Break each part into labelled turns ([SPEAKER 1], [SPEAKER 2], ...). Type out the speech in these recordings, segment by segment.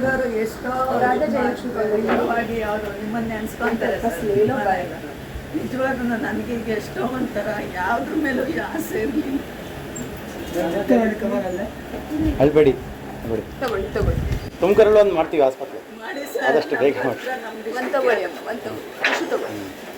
[SPEAKER 1] ಇರೋರು ಎಷ್ಟೋ ನಿಜವಾಗಿ ಅವರು ನಿಮ್ಮನ್ನೇ ಅನ್ಸ್ಕೊಂತಾರೆ ನಿಜವಾಗ್ಲೂ ನನಗೆ ಈಗ ಎಷ್ಟೋ ಒಂಥರ ಯಾವುದ್ರ ಮೇಲೂ ಆಸೆ ಇರಲಿಲ್ಲ.
[SPEAKER 2] ಅಳ್ಬೇಡಿ
[SPEAKER 1] ತಗೊಳ್ಳಿ ತಗೊಳ್ಳಿ
[SPEAKER 2] ತುಮಕೂರಲ್ಲಿ ಒಂದು ಮಾಡ್ತೀವಿ ಆಸ್ಪತ್ರೆ
[SPEAKER 1] ಮಾಡಿ ಸರ್,
[SPEAKER 2] ಆದಷ್ಟು ಬೇಗ ಮಾಡಿ.
[SPEAKER 1] ಒಂದು ತಗೊಳ್ಳಿ ಅಮ್ಮ, ಒಂದು ತಗೊಳ್ಳಿ.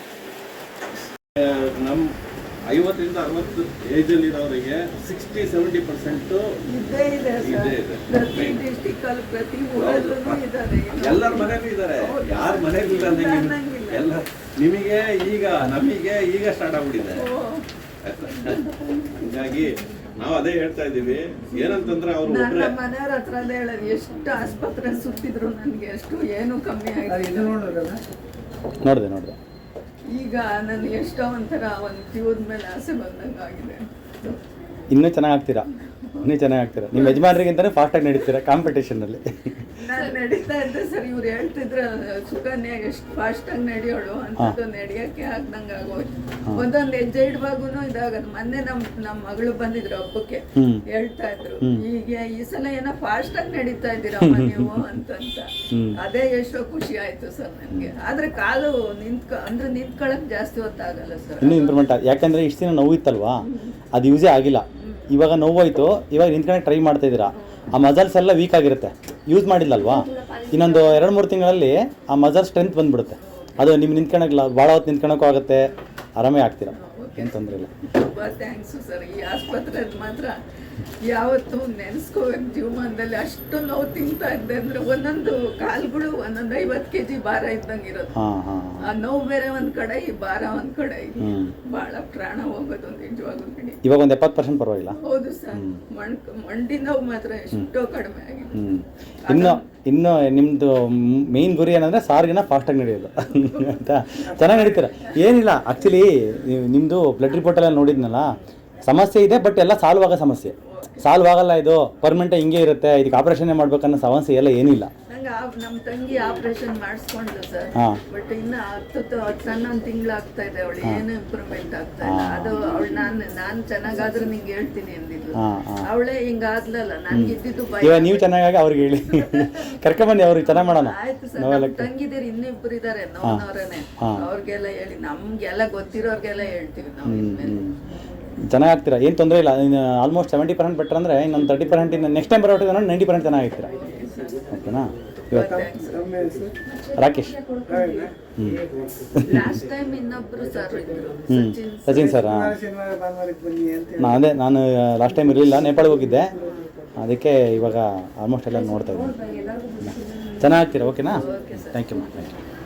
[SPEAKER 3] ನಮ್ಮ 50ರಿಂದ 60 ಏಜಲ್ಲಿರೋರಿಗೆ 60-70%
[SPEAKER 1] ಇದ್ದೇ ಇದೆ ಸರ್. ಪ್ರತಿ ಡಿಸ್ಟಿಕಲ್ಲಿ ಪ್ರತಿ ಊರಲ್ಲೂ ಇದ್ದಾರೆ.
[SPEAKER 3] ಎಲ್ಲರ ಮನೇಲೂ ಇದ್ದಾರೆ, ಯಾರ ಮನೇಲಿ ಇಲ್ಲ
[SPEAKER 1] ಅನ್ನಂಗಿಲ್ಲ.
[SPEAKER 3] ಎಲ್ಲ ನಿಮಗೆ ಈಗ ನಮಗೆ ಈಗ ಸ್ಟಾರ್ಟ್ ಆಗ್ಬಿಟ್ಟಿದೆ. ಹೀಗಾಗಿ ನಾವು ಅದೇ ಹೇಳ್ತಾ ಇದ್ದೀವಿ, ಏನಂತಂದ್ರೆ ಅವರು
[SPEAKER 1] ನನ್ನ ಮನೆಯವ್ರ ಹತ್ರ ಅದೇ ಹೇಳೋದು, ಎಷ್ಟು ಆಸ್ಪತ್ರೆ ಸುತ್ತಿದ್ರು ನನಗೆ ಅಷ್ಟು ಏನು ಕಮ್ಮಿ ಆಗಿಲ್ಲ.
[SPEAKER 2] ನೋಡಿದೆ
[SPEAKER 1] ಈಗ ನಾನು ಎಷ್ಟೋ ಒಂಥರ ಒಂದು ಜೀವದ ಮೇಲೆ ಆಸೆ ಬಂದಂಗೆ ಆಗಿದೆ.
[SPEAKER 2] ಇನ್ನೂ ಚೆನ್ನಾಗಿ ಆಗ್ತೀರಾ ನಿಮ್ಮ ಯಜಮಾನರಿಗಿಂತಲೂ ಫಾಸ್ಟಾಗಿ ನಡೀತೀರಾ ಕಾಂಪಿಟೇಷನಲ್ಲಿ.
[SPEAKER 1] ನಾನು ನಡೀತಾ ಇದ್ದೆ ಸರ್, ಇವ್ರು ಹೇಳ್ತಿದ್ರೆ ಸುಕನ್ಯಾ ಎಷ್ಟು ಫಾಸ್ಟಾಗಿ ನಡೆಯೋಳು ಅಂತದ್ದು ನಡೆಯೋಕ್ಕೆ ಆಗ್ದಂಗೆ ಆಗೋಯ್ತು. ಒಂದೊಂದು ಹೆಜ್ಜೆ ಇಡುವಾಗೂ ಇದಾಗದು. ಮೊನ್ನೆ ನಮ್ಮ ಮಗಳು ಬಂದಿದ್ರು ಹಬ್ಬಕ್ಕೆ, ಹೇಳ್ತಾ ಇದ್ರು ಈಗ ಈ ಸಲ ಏನೋ ಫಾಸ್ಟಾಗಿ ನಡೀತಾ ಇದ್ದೀರಮ್ಮ ನೀವು ಅಂತಂತ. ಅದೇ ಎಷ್ಟೋ ಖುಷಿ ಆಯ್ತು ಸರ್ ನನಗೆ. ಆದ್ರೆ ಕಾಲು ನಿಂತ್ಕೊಳ್ಳೋಕೆ ಜಾಸ್ತಿ ಹೊತ್ತಾಗಲ್ಲ ಸರ್.
[SPEAKER 2] ಇನ್ನೂ ಇಂಪ್ರೂವ್ಮೆಂಟ್ ಯಾಕಂದರೆ ಇಷ್ಟು ದಿನ ನೋವು ಇತ್ತಲ್ವಾ, ಅದು ಯೂಸೇ ಆಗಿಲ್ಲ. ಇವಾಗ ನೋವಾಯಿತು, ಇವಾಗ ನಿಂತ್ಕೊಂಡು ಟ್ರೈ ಮಾಡ್ತಾ ಇದ್ದೀರಾ. ಆ ಮಸಲ್ಸ್ ಎಲ್ಲ ವೀಕ್ ಆಗಿರುತ್ತೆ, ಯೂಸ್ ಮಾಡಿಲ್ಲಲ್ವಾ. ಇನ್ನೊಂದು 2-3 ತಿಂಗಳಲ್ಲಿ ಆ ಮಸಲ್ ಸ್ಟ್ರೆಂತ್ ಬಂದ್ಬಿಡುತ್ತೆ. ಅದು ನಿಮ್ಮ ನಿಂತ್ಕೊಳಕ್ಕಿಲ್ಲ, ಭಾಳ ಹೊತ್ತು ನಿಂತ್ಕೊಳಕ್ಕೂ ಆಗುತ್ತೆ, ಆರಾಮೇ ಆಗ್ತೀರಾ, ಏನು ತೊಂದರೆ ಇಲ್ಲ.
[SPEAKER 1] ತುಂಬ ಥ್ಯಾಂಕ್ಸು ಸರ್. ಈ ಆಸ್ಪತ್ರೆ ಮಾತ್ರ ಯಾವತ್ತೂ ನೆನೆಸ್ಕೋಬೇಕು ಜೀವನದಲ್ಲಿ. ಅಷ್ಟು ನೋವು ತಿಂತಾ ಇದ್ದೆ ಅಂದರೆ ಒಂದೊಂದು ಕಾಲ್ಗಳು 50 kg ಭಾರ ಇದ್ದಂಗೆ ಇರೋದು. ಆ ನೋವು ಬೇರೆ ಒಂದ್ ಕಡೆ, ಈ ಭಾರ ಒಂದ್ ಕಡೆ, ಬಹಳ ಪ್ರಾಣ ಹೋಗೋದು ನಿಜವಾಗ್ಲೂ ಬಿಡಿ.
[SPEAKER 2] ಇವಾಗ ಒಂದು 70% ಪರವಾಗಿಲ್ಲ.
[SPEAKER 1] ಹೌದು ಸರ್, ಮಂಡಿ ನೋವು ಮಾತ್ರ ಎಷ್ಟೋ ಕಡಿಮೆ ಆಗಿದೆ.
[SPEAKER 2] ಇನ್ನು ನಿಮ್ಮದು ಮೇಯ್ನ್ ಗುರಿ ಏನಂದರೆ ಸಾರಿಗೆನ ಫಾಸ್ಟಾಗಿ ನಡೆಯೋದು ಅಂತ. ಚೆನ್ನಾಗಿ ನಡೀತೀರ, ಏನಿಲ್ಲ. ಆ್ಯಕ್ಚುಲಿ ನಿಮ್ಮದು ಬ್ಲಡ್ ರಿಪೋರ್ಟೆಲ್ಲ ನೋಡಿದ್ನಲ್ಲ, ಸಮಸ್ಯೆ ಇದೆ, ಬಟ್ ಎಲ್ಲ ಸಾಲ್ವ್ ಆಗೋ ಸಮಸ್ಯೆ. ಸಾಲ್ವ್ ಆಗಲ್ಲ, ಇದು ಪರ್ಮನೆಂಟ್ ಹಿಂಗೆ ಇರುತ್ತೆ, ಇದಕ್ಕೆ ಆಪ್ರೇಷನ್ನೇ ಮಾಡ್ಬೇಕನ್ನೋ ಸಮಸ್ಯೆ ಎಲ್ಲ ಏನಿಲ್ಲ.
[SPEAKER 1] ನಮ್ಮ ತಂಗಿ ಆಪರೇಷನ್ ಮಾಡಿಸ್ಕೊಂಡ್ಲು ಸರ್, ಬಟ್ ಇನ್ನು 11 ತಿಂಗಳು ಆಗ್ತಾ ಇದೆ. ಅವಳು ಏನು ಇಂಪ್ರೂವ್ಮೆಂಟ್ ಆಗ್ತಾ ಇಲ್ಲ. ಅದು ಅವಳು ನಾನು ಚೆನ್ನಾಗಾದ್ರೆ ನಿಂಗೆ ಹೇಳ್ತೀನಿ ಅಂದಿದ್ಲು. ಅವಳೇ ಹಿಂಗಾದ್ಲಲ್ಲ, ನನ್ಗೆ ಇದ್ದಿದ್ದು ಭಯ.
[SPEAKER 2] ಇವಾಗ ನೀವು ಚೆನ್ನಾಗಿ ಅವ್ರಿಗೆ ಹೇಳಿ ಕರ್ಕೊಂಬನ್ನಿ, ಅವ್ರಿಗೆ ಚೆನ್ನಾಗಿ ಮಾಡೋಣ.
[SPEAKER 1] ಆಯ್ತು ಸರ್, ತಂಗಿದಿರು ಇನ್ನಿಬ್ರು ಇದಾರೆ ನೋವ್ನವ್ರೇನೆ, ಅವ್ರಿಗೆಲ್ಲ ಹೇಳಿ, ನಮ್ಗೆಲ್ಲ ಗೊತ್ತಿರೋರ್ಗೆಲ್ಲ ಹೇಳ್ತೀವಿ ನಾವು.
[SPEAKER 2] ಚೆನ್ನಾಗಿ ಆಗ್ತೀರಾ, ಏನು ತೊಂದರೆ ಇಲ್ಲ. ಆಲ್ಮೋಸ್ಟ್ 70% ಬೆಟರ್ ಅಂದರೆ ಇನ್ನೊಂದು 30% ಇನ್ನು ನೆಕ್ಸ್ಟ್ ಟೈಮ್ ಬರೋಟಿಗೆ 90% ಚೆನ್ನಾಗಿರ್ತೀರಾ. ಓಕೆನಾ? ಇವತ್ತು ರಾಕೇಶ್, ಸಚಿನ್ ಸರ್. ನಾನು ಲಾಸ್ಟ್ ಟೈಮ್ ಇರಲಿಲ್ಲ, ನೇಪಾಳಿಗೆ ಹೋಗಿದ್ದೆ, ಅದಕ್ಕೆ ಇವಾಗ ಆಲ್ಮೋಸ್ಟ್ ಎಲ್ಲ ನೋಡ್ತಾ ಇದ್ದೀನಿ. ಚೆನ್ನಾಗ್ತೀರಾ. ಓಕೆನಾ? Thank you.